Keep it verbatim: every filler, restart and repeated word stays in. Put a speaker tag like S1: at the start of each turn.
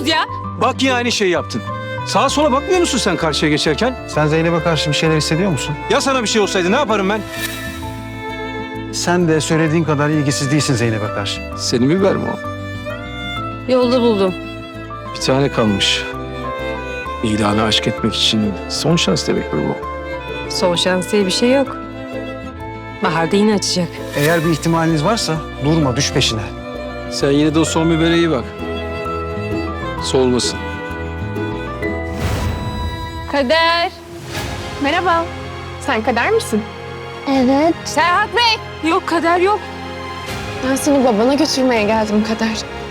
S1: yapıyorsunuz ya?
S2: Bak yine aynı şeyi yaptın. Sağa sola bakmıyor musun sen karşıya geçerken?
S3: Sen Zeynep'e karşı bir şeyler hissediyor musun?
S2: Ya sana bir şey olsaydı ne yaparım ben?
S3: Sen de söylediğin kadar ilgisiz değilsin Zeynep'e karşı.
S2: Senin biber mi o?
S1: Yolda buldum.
S2: Bir tane kalmış. İlanı aşk etmek için son şans demektir bu.
S1: Son şans diye bir şey yok. Bahar'da yine açacak.
S3: Eğer bir ihtimaliniz varsa durma, düş peşine.
S2: Sen yine de o son bibere iyi bak. Solmasın.
S1: Kader.
S4: Merhaba. Sen Kader misin?
S5: Evet.
S1: Serhat Bey. Yok Kader yok.
S4: Ben seni babana götürmeye geldim Kader.